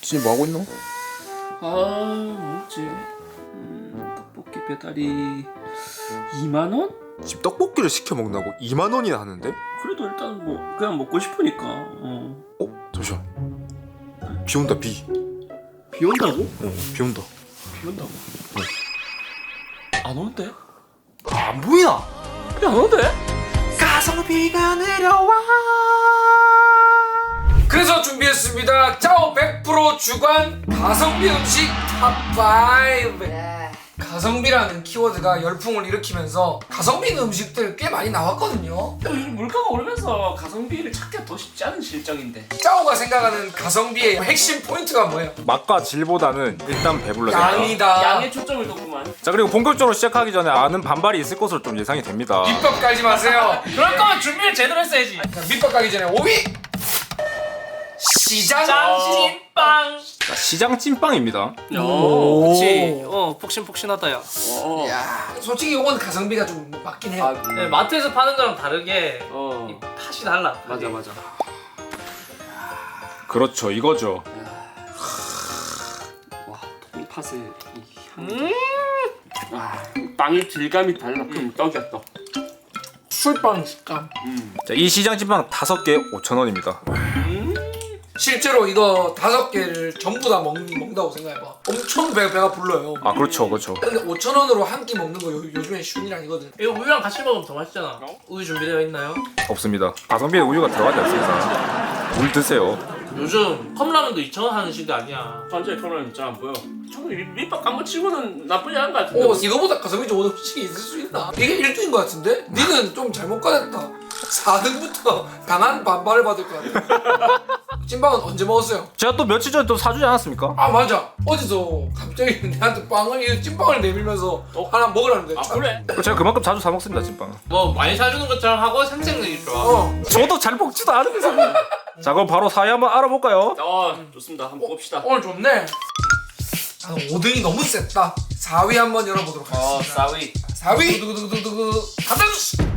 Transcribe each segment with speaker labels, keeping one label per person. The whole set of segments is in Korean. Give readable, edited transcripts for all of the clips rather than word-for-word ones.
Speaker 1: 진이 뭐 하고 있노?
Speaker 2: 뭐지? 떡볶이 배달이 2만 원?
Speaker 1: 집 떡볶이를 시켜 먹는다고 2만 원이나 하는데?
Speaker 2: 그래도 일단 뭐 그냥 먹고 싶으니까.
Speaker 1: 잠시만. 비 온다 비.
Speaker 2: 비 온다고?
Speaker 1: 비 온다.
Speaker 2: 비 온다고? 안 오는데?
Speaker 1: 안 보이나?
Speaker 2: 비 안 오는데?
Speaker 1: 가성비가 내려와.
Speaker 3: 그래서 준비했습니다. 짜오 100% 주관 가성비 음식 탑5. 가성비라는 키워드가 열풍을 일으키면서 가성비 있는 음식들 꽤 많이 나왔거든요.
Speaker 2: 요즘 물가가 오르면서 가성비를 찾기가 더 쉽지 않은 실정인데.
Speaker 3: 짜오가 생각하는 가성비의 핵심 포인트가 뭐예요?
Speaker 1: 맛과 질보다는 일단 배불러야 된다.
Speaker 3: 양이다.
Speaker 2: 양에 초점을 뒀구만.
Speaker 1: 자, 그리고 본격적으로 시작하기 전에 아는 반발이 있을 것으로 좀 예상이 됩니다.
Speaker 3: 밑밥 깔지 마세요.
Speaker 2: 그럴 거면 준비를 제대로 했어야지.
Speaker 3: 자, 밑밥 깔기 전에 5위 시장
Speaker 2: 찐빵.
Speaker 1: 자, 시장 찐빵입니다.
Speaker 2: 오, 그렇지. 폭신폭신하다 야.
Speaker 3: 야, 솔직히 이건 가성비가 좀 맞긴 해요.
Speaker 2: 네, 마트에서 파는 거랑 다르게 이 팥이 달라.
Speaker 4: 맞아.
Speaker 1: 그렇죠, 이거죠.
Speaker 4: 와, 통팥의 이 향. 와, 빵의 질감이 달라. 그럼 떡이야 떡.
Speaker 3: 술빵 식감.
Speaker 1: 자, 이 시장 찐빵 5개 5,000원입니다.
Speaker 3: 실제로 이거 5개를 전부 다 먹는다고 생각해봐. 엄청 배가 불러요.
Speaker 1: 아, 그렇죠, 그렇죠.
Speaker 3: 근데 5,000원으로 한 끼 먹는 거 요즘엔 쉬운 일 아니거든.
Speaker 2: 이거 우유랑 같이 먹으면 더 맛있잖아. 우유 준비되어 있나요?
Speaker 1: 없습니다. 가성비에 우유가 들어가지 않습니다. 물 드세요.
Speaker 2: 요즘 컵라면도 2,000원 하는 시대 아니야.
Speaker 4: 완전히 편안해. 진짜 안 보여. 저는 밑밥 깐거 치고는 나쁘지 않은 것 같은데.
Speaker 3: 이거보다 가성비 좋은 음식이 있을 수 있나? 이게 1등인 것 같은데? 니는 좀 잘못 가졌다. 4등부터 강한 반발을 받을 것 같아. 찐빵은 언제 먹었어요?
Speaker 1: 제가 또 며칠 전에 또 사주지 않았습니까?
Speaker 3: 아 맞아. 어디서 갑자기 내한테 이 찐빵을 내밀면서 하나 먹으라는데.
Speaker 4: 아 그래?
Speaker 1: 제가 그만큼 자주 사 먹습니다, 찐빵.
Speaker 2: 뭐 많이 사주는 것처럼 하고 생생력이 좋아.
Speaker 1: 저도 잘 먹지도 않으면서. 자, 그럼 바로 4위 한번 알아볼까요?
Speaker 4: 좋습니다. 한번 봅시다.
Speaker 3: 오늘 좋네. 5등이 너무 셌다. 4위 한번 열어보도록 하겠습니다.
Speaker 2: 싸위.
Speaker 3: 4위 두구두구두구 가등.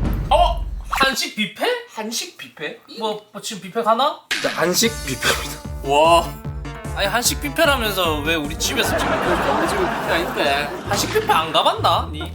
Speaker 2: 한식 뷔페?
Speaker 3: 한식 뷔페?
Speaker 2: 뭐 지금 뷔페 가나?
Speaker 1: 자, 한식 뷔페입니다.
Speaker 4: 와,
Speaker 2: 아니 한식 뷔페라면서 왜 우리 집에서 지금
Speaker 4: 너무 지금 아닌데.
Speaker 2: 한식 뷔페 안 가봤나? 니?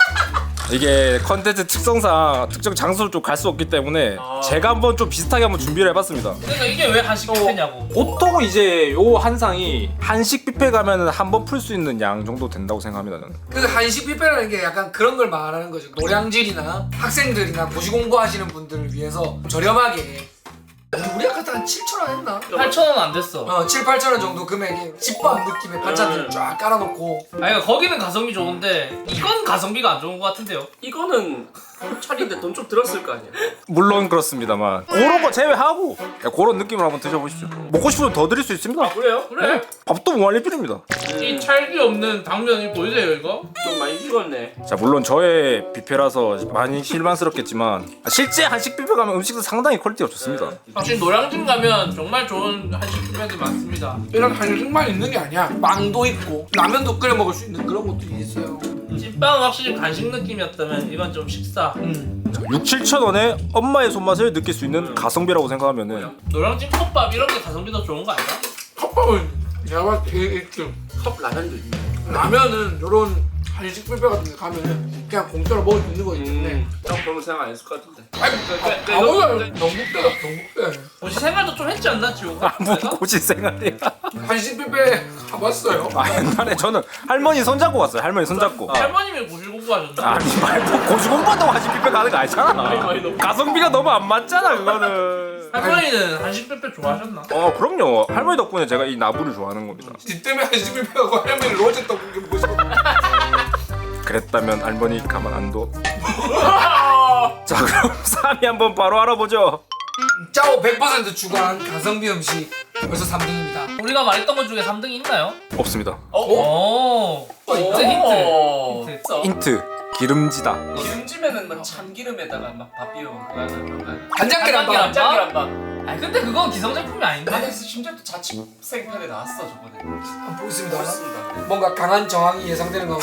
Speaker 1: 이게 컨텐츠 특성상 특정 장소를 좀 갈 수 없기 때문에 제가 한번 좀 비슷하게 한번 준비를 해봤습니다.
Speaker 2: 그러니까 이게 왜 한식 뷔페냐고.
Speaker 1: 보통 이제 요 한상이 한식 뷔페 가면은 한 번 풀 수 있는 양 정도 된다고 생각합니다, 저는.
Speaker 3: 그 한식 뷔페라는 게 약간 그런 걸 말하는 거죠. 노량진이나 학생들이나 고시 공부하시는 분들을 위해서 저렴하게. 우리 아까 한 7,000원 했나?
Speaker 2: 8,000원 안 됐어.
Speaker 3: 7, 8,000원 정도 금액에 집밥 느낌의 반찬들을 쫙 깔아놓고.
Speaker 2: 아니 그러니까 거기는 가성비 좋은데 이건 가성비가 안 좋은 것 같은데요.
Speaker 4: 이거는 경찰인데 돈 좀 들었을 거 아니야.
Speaker 1: 물론 그렇습니다만 그런 거 제외하고 그런 느낌으로 한번 드셔보십시오. 먹고 싶으면 더 드릴 수 있습니다.
Speaker 4: 그래요?
Speaker 2: 그래.
Speaker 1: 밥도 무한리 필입니다.
Speaker 2: 이 찰기 없는 당면이 보이세요 이거?
Speaker 4: 좀 많이 식었네.
Speaker 1: 자, 물론 저의 뷔페라서 많이 실망스럽겠지만 실제 한식 뷔페 가면 음식도 상당히 퀄리티가 좋습니다.
Speaker 2: 확실히 노량진 가면 정말 좋은 한식 뷔페들 많습니다.
Speaker 3: 이런 한식만 있는 게 아니야. 빵도 있고 라면도 끓여 먹을 수 있는 그런 것들이 있어요.
Speaker 2: 찐빵은 확실히 간식 느낌이었다면 이건 좀 식사.
Speaker 1: 6, 7천 원에 엄마의 손맛을 느낄 수 있는 가성비라고 생각하면은
Speaker 2: 노량진 컵밥 이런 게 가성비 더 좋은 거 아니야?
Speaker 3: 컵밥은 내가 봤을 때 1등.
Speaker 4: 컵 라면도 있네.
Speaker 3: 라면은 요런 한식 뷔페 같은 데 가면은 그냥 공짜로 먹을 수 있는 거기 때문에.
Speaker 4: 형 그런 생각 안 했을 것 같은데.
Speaker 3: 아니 아무나 영국대다 영국대.
Speaker 2: 혹시 생활도 좀 했지 않나 지호가?
Speaker 1: 뭐 고시 생활이야.
Speaker 3: 한식 뷔페 가봤어요.
Speaker 1: 옛날에 저는 할머니 손잡고 갔어요. 할머니 손잡고.
Speaker 2: 할머님이 고실 공부하셨나?
Speaker 1: 아니 말고 고시 공부한다고 한식 뷔페 가는 거 아니잖아.
Speaker 4: 많이 너무-
Speaker 1: 가성비가 너무 안 맞잖아, 그거는.
Speaker 2: 할머니는 한식 뷔페 좋아하셨나?
Speaker 1: 그럼요. 할머니 덕분에 제가 이 나부를 좋아하는 겁니다.
Speaker 3: 니 때문에 한식 뷔페 가고 할머니 로제 떡볶이 먹고 싶어.
Speaker 1: 그랬다면 할머니 가만 안 둬. 자, 그럼 3위 한번 바로 알아보죠.
Speaker 3: 짜오 100% 주관 가성비 음식 벌써 3등입니다.
Speaker 2: 우리가 말했던 것 중에 3등이 있나요?
Speaker 1: 없습니다.
Speaker 2: 오. 힌트.
Speaker 1: 힌트. 기름지다.
Speaker 4: 기름찜에는 막 참기름에다가 막 밥 비벼 먹고 하는
Speaker 3: 간장계란밥.
Speaker 4: 짠기란밥.
Speaker 2: 아니 근데 그건 기성제품이 아닌데?
Speaker 4: 아니 심지어 또 자취생편에 나왔어 저번에.
Speaker 3: 한번 보겠습니다.
Speaker 4: 그렇습니다.
Speaker 3: 뭔가 강한 저항이 예상되는 가운데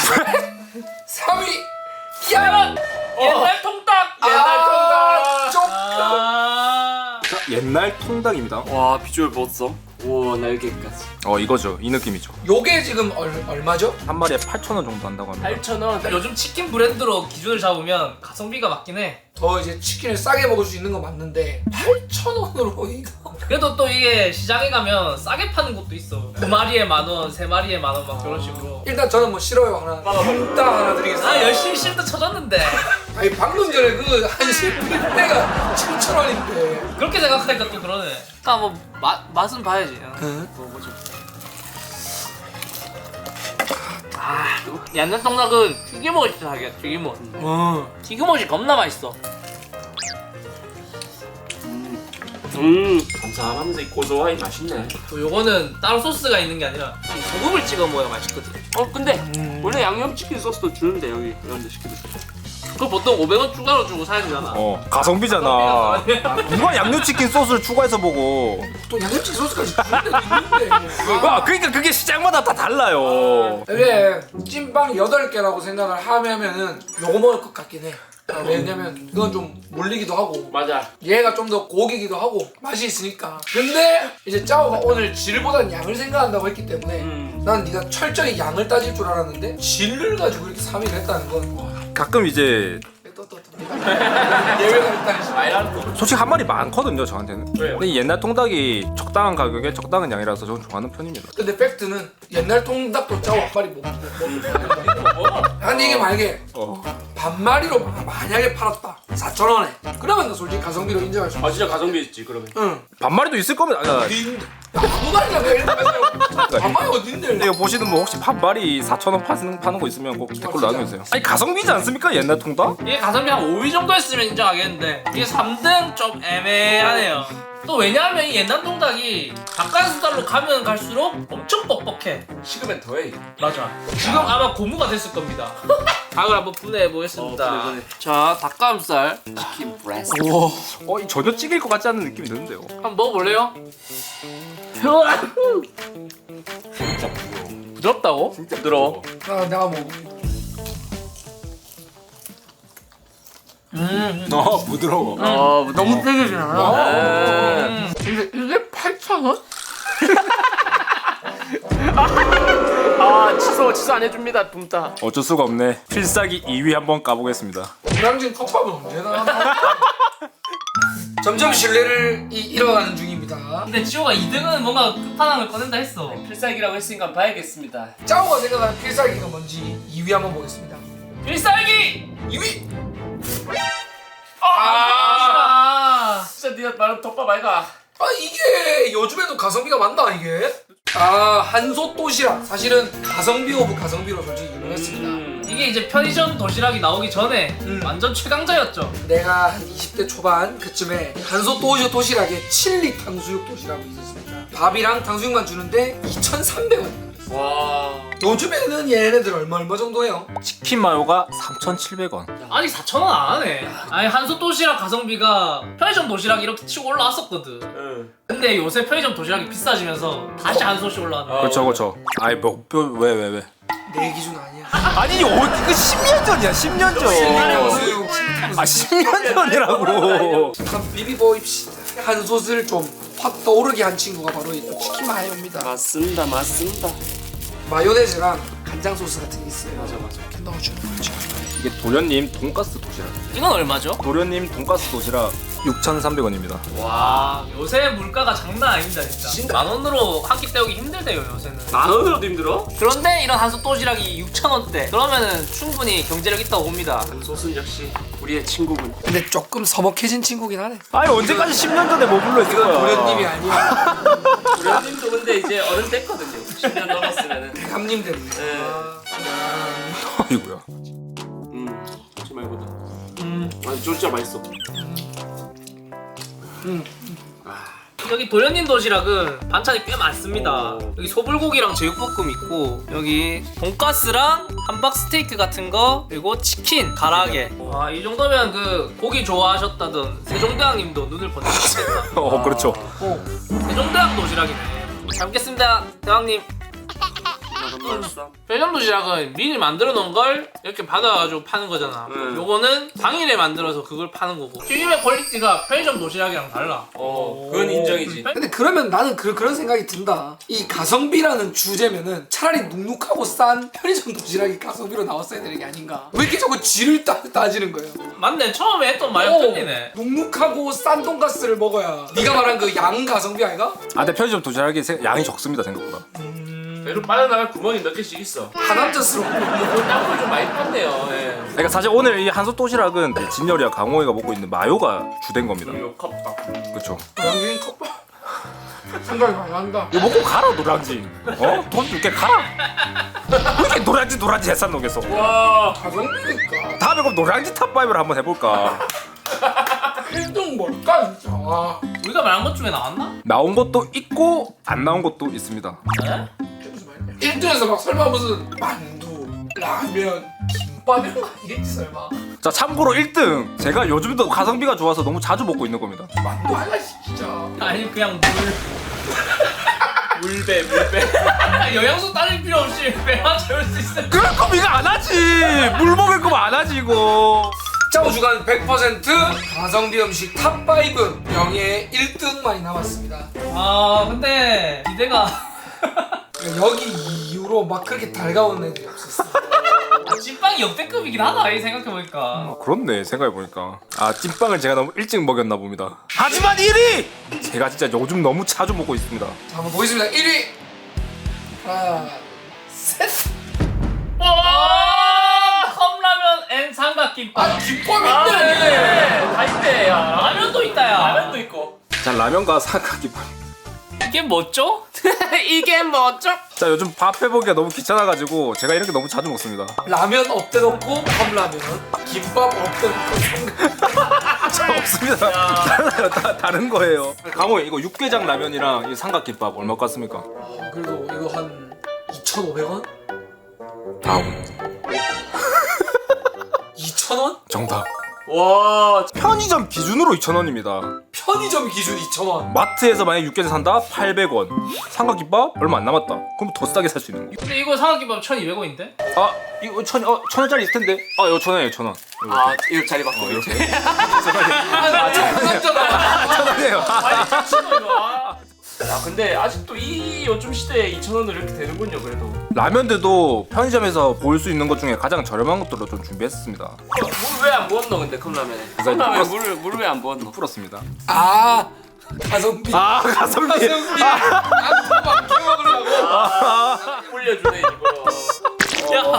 Speaker 3: 3위
Speaker 2: 옛날 통닭!
Speaker 3: 옛날 통닭.
Speaker 2: 아.
Speaker 1: 자, 옛날 통닭입니다.
Speaker 4: 와 비주얼 봤어? 우와 날개까지.
Speaker 1: 이거죠. 이 느낌이죠.
Speaker 3: 요게 지금 얼마죠?
Speaker 1: 한 마리에 8,000원 정도 한다고 합니다.
Speaker 2: 8,000원.
Speaker 5: 요즘 치킨 브랜드로 기준을 잡으면 가성비가 맞긴 해.
Speaker 3: 더 이제 치킨을 싸게 먹을 수 있는 건 맞는데 8,000원으로 이거
Speaker 5: 그래도 또 이게 시장에 가면 싸게 파는 곳도 있어. 2마리에 10,000원, 3마리에 10,000원 막 그런 식으로.
Speaker 3: 일단 저는 뭐 싫어요 하나 딱 하나 드리겠습니다.
Speaker 5: 아 열심히 실드 쳐줬는데
Speaker 3: 아니 방금 전에 그 한식 뷔페가 7,000원인데
Speaker 5: 그렇게 생각하니까 또 그러네. 아 뭐 맛은 봐야지.
Speaker 4: 먹어보자.
Speaker 5: 옛날 떡락은 튀김옷이 하게 튀김옷. 튀김옷이 겁나 맛있어.
Speaker 4: 감사하면서 이 고소하니 맛있네.
Speaker 5: 또 요거는 따로 소스가 있는 게 아니라 이 소금을 찍어 먹어야 맛있거든.
Speaker 4: 근데 원래 양념치킨 소스도 주는데 여기 이런 데 시키면.
Speaker 5: 그거 보통 500원 추가로 주고 사야 되잖아.
Speaker 1: 가성비잖아. 누가 양념치킨 소스를 추가해서 먹어?
Speaker 3: 또 양념치킨 소스까지 주는 데도 있는데
Speaker 1: 그러니까 그게 시장마다 다 달라요.
Speaker 3: 이게 찐빵 8개라고 생각을 하면은 요거 먹을 것 같긴 해. 왜냐면 이건 좀 물리기도 하고
Speaker 4: 맞아.
Speaker 3: 얘가 좀 더 고기기도 하고 맛이 있으니까. 근데 이제 짜오가 오늘 질보다는 양을 생각한다고 했기 때문에 난 네가 철저히 양을 따질 줄 알았는데 질을 가지고 이렇게 3위를 했다는 건
Speaker 1: 가끔 이제
Speaker 3: 예외가 있다는 시
Speaker 1: 솔직히 한 마리 많거든요 저한테는.
Speaker 4: 왜요?
Speaker 1: 근데 이 옛날 통닭이 적당한 가격에 적당한 양이라서 저는 좋아하는 편입니다.
Speaker 3: 근데 팩트는 옛날 통닭도 짜오 한 마리 못 먹어. 아니 이게 만약에 반마리로 만약에 팔았다 4,000원에 그러면 나 솔직히 가성비로 인정할 수 있어.
Speaker 4: 아 진짜 가성비 있지 그러면.
Speaker 3: 응.
Speaker 1: 반마리도 있을 겁니다.
Speaker 3: 아무 말이나 내가 이렇게 해서 반마리 어딘데?
Speaker 1: 근데 이거 보시는 뭐 혹시 반마리 4,000원 파는 거 있으면 꼭 댓글로 남겨주세요. 아니 가성비지 않습니까 옛날 통닭?
Speaker 5: 이게 가성비 한 5위 정도 했으면 인정하겠는데 이게 3등 좀 애매하네요. 또 왜냐하면 이 옛날 통닭이 닭가슴살로 가면 갈수록 엄청 뻑뻑해.
Speaker 4: 식으면 더해.
Speaker 5: 맞아. 지금 아마 고무가 됐을 겁니다. 닭을 한번 분해해 보겠습니다.
Speaker 4: 분해.
Speaker 5: 자, 닭가슴살
Speaker 4: 치킨 브레스.
Speaker 1: 이 전혀 찌길 것 같지 않은 느낌이 드는데요.
Speaker 5: 한번 먹어볼래요? 부드럽다고?
Speaker 4: 진짜 부드러워.
Speaker 3: 내가 먹을게.
Speaker 1: 부드러워.
Speaker 5: 너무 튀기진 않아.
Speaker 3: 근데 이게 8,000원?
Speaker 4: 취소 안 해줍니다 둠따.
Speaker 1: 어쩔 수가 없네. 필살기 2위 한번 까보겠습니다.
Speaker 3: 불량진 컵밥은 언제 나왔나? 점점 신뢰를 잃어가는 중입니다.
Speaker 5: 근데 지호가 2등은 뭔가 끝판왕을 꺼낸다 했어.
Speaker 2: 필살기라고 했으니까 봐야겠습니다.
Speaker 3: 짜오가 생각하는 필살기가 뭔지 2위 한번 보겠습니다.
Speaker 5: 필살기!
Speaker 3: 2위!
Speaker 2: 진짜 네가 말한 덮밥 아이가.
Speaker 3: 이게 요즘에도 가성비가 맞나 이게? 한솥 도시락 사실은 가성비 오브 가성비로 솔직히 유명했습니다.
Speaker 5: 이게 이제 편의점 도시락이 나오기 전에 완전 최강자였죠.
Speaker 3: 내가 한 20대 초반 그쯤에 한솥 도시락에 칠리 탕수육 도시락이 있었습니다. 밥이랑 탕수육만 주는데 2,300원.
Speaker 4: 와.
Speaker 3: 요즘에는 얘네들 얼마 정도 해요?
Speaker 1: 치킨 마요가 3,700원.
Speaker 5: 아니 4,000원 안 하네. 아니 한솥 도시락 가성비가 편의점 도시락이 이렇게 치고 올라왔었거든.
Speaker 4: 응.
Speaker 5: 근데 요새 편의점 도시락이 비싸지면서 다시 한솥이 올라왔네.
Speaker 1: 그렇죠. 아이 왜?
Speaker 3: 내 기준 아니야.
Speaker 1: 아니 이거 10년 전이야 10년 전. 10년 전이라고.
Speaker 3: 한번 비비보입시다. 한솥을 좀 확 떠오르게 한 친구가 바로 이 치킨 마요입니다.
Speaker 4: 맞습니다.
Speaker 3: 마요네즈랑 간장 소스 같은 게 있어요.
Speaker 4: 맞아.
Speaker 3: 이렇게 넣어주는 거죠.
Speaker 1: 이게 도련님 돈가스 도시락.
Speaker 5: 이건 얼마죠?
Speaker 1: 도련님 돈가스 도시락 6,300원입니다.
Speaker 5: 와 요새 물가가 장난 아닙니다 진짜. 10,000원으로 한 끼 때우기 힘들대요 요새는.
Speaker 4: 10,000원으로도 힘들어?
Speaker 5: 그런데 이런 한솥 도시락이 6,000원대. 그러면은 충분히 경제력 있다고 봅니다.
Speaker 4: 소스는 역시 우리의 친구군.
Speaker 3: 근데 조금 서먹해진 친구긴 하네.
Speaker 1: 아니 언제까지 10년 전에 머물러 있을 거야.
Speaker 3: 도련님이 아니야.
Speaker 4: 우리님도 근데 이제 어른 됐거든요. 10년 넘었으면은.
Speaker 3: 감님 때문에.
Speaker 4: 네.
Speaker 1: 아이고야.
Speaker 4: 하지 말거든. 아니 진짜 맛있어.
Speaker 5: 여기 도련님 도시락은 반찬이 꽤 많습니다.
Speaker 4: 오.
Speaker 5: 여기 소불고기랑 제육볶음 있고 여기 돈가스랑 함박 스테이크 같은 거 그리고 치킨 가라age. 와 이 정도면 그 고기 좋아하셨다던 세종대왕님도 눈을 번쩍했겠다.
Speaker 1: 그렇죠.
Speaker 5: 세종대왕 도시락이네. 잘 먹겠습니다 대왕님.
Speaker 4: 맛있어.
Speaker 5: 편의점 도시락은 미리 만들어 놓은 걸 이렇게 받아가지고 파는 거잖아. 요거는 당일에 만들어서 그걸 파는 거고. 튀김의 퀄리티가 편의점 도시락이랑 달라.
Speaker 2: 그건 인정이지.
Speaker 3: 근데 그러면 나는 그런 생각이 든다. 이 가성비라는 주제면은 차라리 눅눅하고 싼 편의점 도시락이 가성비로 나왔어야 되는 게 아닌가. 왜 이렇게 자꾸 질을 따지는 거예요?
Speaker 5: 맞네. 처음에 했던 말이 틀리네.
Speaker 3: 눅눅하고 싼 돈가스를 먹어야 네가 말한 그 양 가성비 아이가?
Speaker 1: 아 근데 편의점 도시락이 양이 적습니다 생각보다.
Speaker 2: 그래도 빠져나갈 구멍이 몇 개씩 있어.
Speaker 3: 하남자스러워.
Speaker 2: 땅굴 좀 많이 팠네요. 예.
Speaker 1: 그러니까 사실 오늘 이 한솥 도시락은 진열이와 강호이가 먹고 있는 마요가 주된 겁니다.
Speaker 2: 요 컵밥.
Speaker 1: 그렇죠.
Speaker 3: 양갱 컵밥. 생각이 많이 난다.
Speaker 1: 이거 먹고 가라 노량진. 돈 줄게 가라. 왜 이렇게 노량진 해산 녹여서.
Speaker 2: 와.
Speaker 3: 가성비니까.
Speaker 1: 다음에 그럼 노량진 탑5를 한번 해볼까.
Speaker 3: 1등 뭘까 진짜. 와.
Speaker 5: 우리가 말한 것 중에 나왔나?
Speaker 1: 나온 것도 있고 안 나온 것도 있습니다.
Speaker 5: 네?
Speaker 3: 1등에서 막 설마 무슨 만두, 라면, 김밥 이런 거 아니겠지 설마.
Speaker 1: 자 참고로 1등 제가 요즘도 가성비가 좋아서 너무 자주 먹고 있는 겁니다.
Speaker 3: 만두 하나씩 진짜.
Speaker 5: 아니 그냥
Speaker 2: 물배.
Speaker 5: 영양소 따질 필요 없이 배만 채울 수 있어.
Speaker 1: 그럴 거면 이거 안 하지. 물 먹을 거면 안 하지 이거.
Speaker 3: 짜오 주간 100% 가성비 음식 탑5 명예의 1등만이 남았습니다.
Speaker 5: 아 근데 기대가
Speaker 3: 여기 이후로 막 그렇게 달가운 애들이 없었어.
Speaker 5: 찐빵이 역대급이긴 하다 이 생각해보니까.
Speaker 1: 그렇네 생각해보니까. 아 찐빵을 제가 너무 일찍 먹였나 봅니다. 하지만 1위! 제가 진짜 요즘 너무 자주 먹고 있습니다.
Speaker 3: 자 한번 보겠습니다. 1위 하나 셋.
Speaker 5: 컵라면 앤 삼각김밥.
Speaker 3: 아 김밥이 있네.
Speaker 2: 다 있대. 야.
Speaker 5: 라면도 있다 야.
Speaker 2: 라면도 있고.
Speaker 1: 자 라면과 삼각김밥.
Speaker 5: 이게 뭐죠?
Speaker 2: 이게 뭐죠?
Speaker 1: 자 요즘 밥 해보기가 너무 귀찮아가지고 제가 이렇게 너무 자주 먹습니다.
Speaker 3: 라면 업대 놓고 컵라면, 김밥 업대 놓고 삼각.
Speaker 1: 저 없습니다. 달라요. 다른 거예요. 강호이 이거 육개장 라면이랑 이 삼각김밥 얼마 같습니까?
Speaker 3: 그래도 이거 한 2,500원?
Speaker 1: 다음
Speaker 3: 2,000원?
Speaker 1: 정답.
Speaker 2: 와.
Speaker 1: 편의점 기준으로 2,000원입니다.
Speaker 3: 편의점 기준 2,000원.
Speaker 1: 마트에서 만약 육개장 산다 800원. 삼각김밥 얼마 안 남았다. 그럼 더 싸게 살 수 있는 거.
Speaker 5: 근데 이거 삼각김밥 1,200원인데?
Speaker 1: 아 이거 1,000원짜리 있을 텐데. 아 이거 1,000원이에요 1,000원.
Speaker 2: 아, 이거 자리 바꿔.
Speaker 1: 이렇게.
Speaker 3: 아, 장난잖아.
Speaker 1: 1,000원이에요.
Speaker 2: 야, 근데 아직도 요즘 시대에 2,000원으로 이렇게 되는군요, 그래도.
Speaker 1: 라면들도 편의점에서 볼 수 있는 것 중에 가장 저렴한 것들로 좀 준비했습니다.
Speaker 2: 물 왜 안 부었노, 근데 컵라면에? 컵라면에 물을 왜 안 부었노?
Speaker 1: 풀었습니다.
Speaker 3: 아 가성비.
Speaker 1: 아 가성비.
Speaker 3: 가성비. 안토막 먹으려고.
Speaker 2: 불려주네, 이거.
Speaker 5: 야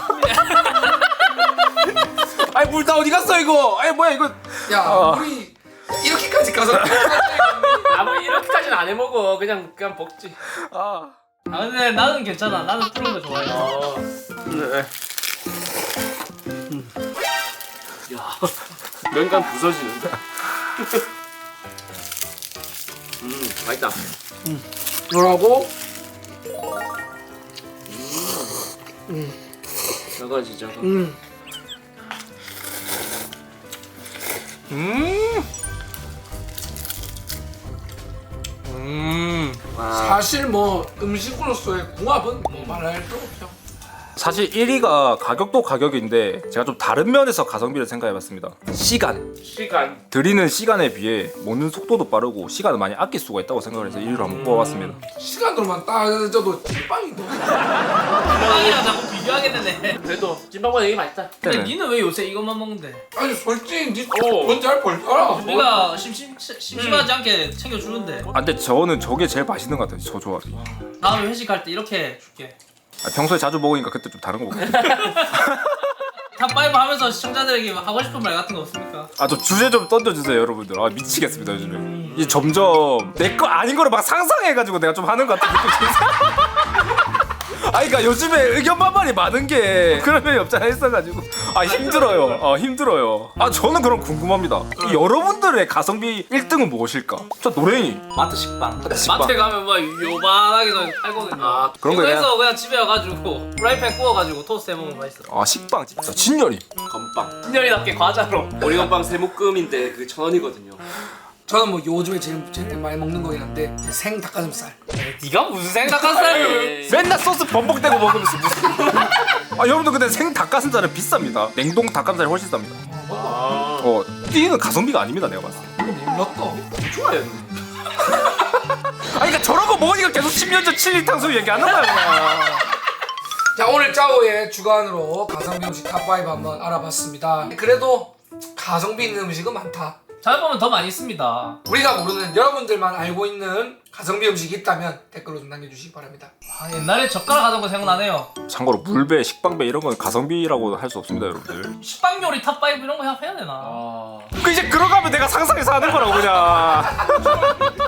Speaker 1: 아니 물 다 어디 갔어 이거? 아니 뭐야 이거?
Speaker 3: 야 우리 이렇게까지 가성비.
Speaker 2: 아무리 이렇게까지는 안 해먹어. 그냥 먹지.
Speaker 1: 아.
Speaker 5: 아 근데 나는 괜찮아. 나는 푸른 거 좋아해.
Speaker 2: 야, 면간 부서지는데. 맛있다.
Speaker 3: 뭐라고?
Speaker 2: 저거 진짜.
Speaker 3: 사실 뭐 음식으로서의 궁합은 뭐 말할 필요 없죠.
Speaker 1: 사실 1위가 가격도 가격인데 제가 좀 다른 면에서 가성비를 생각해봤습니다. 시간. 드리는 시간에 비해 먹는 속도도 빠르고 시간을 많이 아낄 수가 있다고 생각을 해서 1위로 한번 뽑아봤습니다.
Speaker 3: 시간으로만 따져도 찐빵이다.
Speaker 5: 찐빵이랑 자꾸 비교하게 되네.
Speaker 2: 그래도 찐빵보다 이게 맛있다.
Speaker 5: 근데
Speaker 1: 네네.
Speaker 5: 니는 왜 요새 이것만 먹는데?
Speaker 3: 아니 솔직히 니 뭔지 알 벌잖아.
Speaker 5: 우리가 심심하지 않게 챙겨주는데.
Speaker 1: 아 근데 저는 저게 제일 맛있는 것 같아요. 저 조합이.
Speaker 5: 다음에 회식할 때 이렇게 줄게.
Speaker 1: 아, 평소에 자주 먹으니까 그때 좀 다른 거 먹어요.
Speaker 5: 탑5 하면서 시청자들에게 하고 싶은 말 같은 거 없습니까?
Speaker 1: 아 좀 주제 좀 던져주세요 여러분들. 아 미치겠습니다 요즘에. 이 점점 내 거 아닌 거를 막 상상해가지고 내가 좀 하는 것 같은 느낌이 들어요. 아니 그러니까 요즘에 의견 반발이 많은 게 그런 면이 없잖아 있어가지고 아 힘들어요. 힘들어요. 아 저는 그럼 궁금합니다. 이 여러분들의 가성비 1등은 무엇일까? 저 노랭이.
Speaker 5: 마트 식빵.
Speaker 1: 식빵.
Speaker 5: 마트에 가면 막 요만하게 좀 팔거든요.
Speaker 2: 아,
Speaker 1: 그런 거
Speaker 5: 이거 해서 그냥 집에 와가지고 프라이팬 구워가지고 토스트 해먹으면 맛있어.
Speaker 1: 아 식빵 진짜 진열이.
Speaker 2: 건빵.
Speaker 5: 신년이답게 과자로.
Speaker 2: 오리건빵 세묶음인데 그게 1,000원이거든요.
Speaker 3: 저는 뭐 요즘에 제일 많이 먹는 거긴 한데 생 닭가슴살.
Speaker 5: 네가 무슨 생각하세요?
Speaker 1: 맨날 소스 범벅대고 먹으면서 무슨 아 여러분들 근데 생 닭가슴살은 비쌉니다. 냉동 닭가슴살이 훨씬 쌉니다. 뛰는 가성비가 아닙니다 내가 봤을 때.
Speaker 3: 몰랐다.
Speaker 2: 좋아했네.
Speaker 1: 아니 그러니까 저런 거 먹으니까 계속 10년 전 7일 탕수육 얘기하는 거야 그냥.
Speaker 3: 자 오늘 짜오의 주간으로 가성비 음식 탑5 한번 알아봤습니다. 그래도 가성비 있는 음식은 많다.
Speaker 5: 잘 보면 더 많이 있습니다.
Speaker 3: 우리가 모르는 여러분들만 알고 있는 가성비 음식이 있다면 댓글로 좀 남겨주시기 바랍니다.
Speaker 5: 아, 옛날에 젓가락 하던 거 생각나네요.
Speaker 1: 참고로 물배, 식빵배 이런 건 가성비라고 할 수 없습니다 여러분들.
Speaker 5: 식빵 요리 탑5 이런 거 해야 되나?
Speaker 1: 그 이제 그러가면 내가 상상해서 하는 거라고 그냥.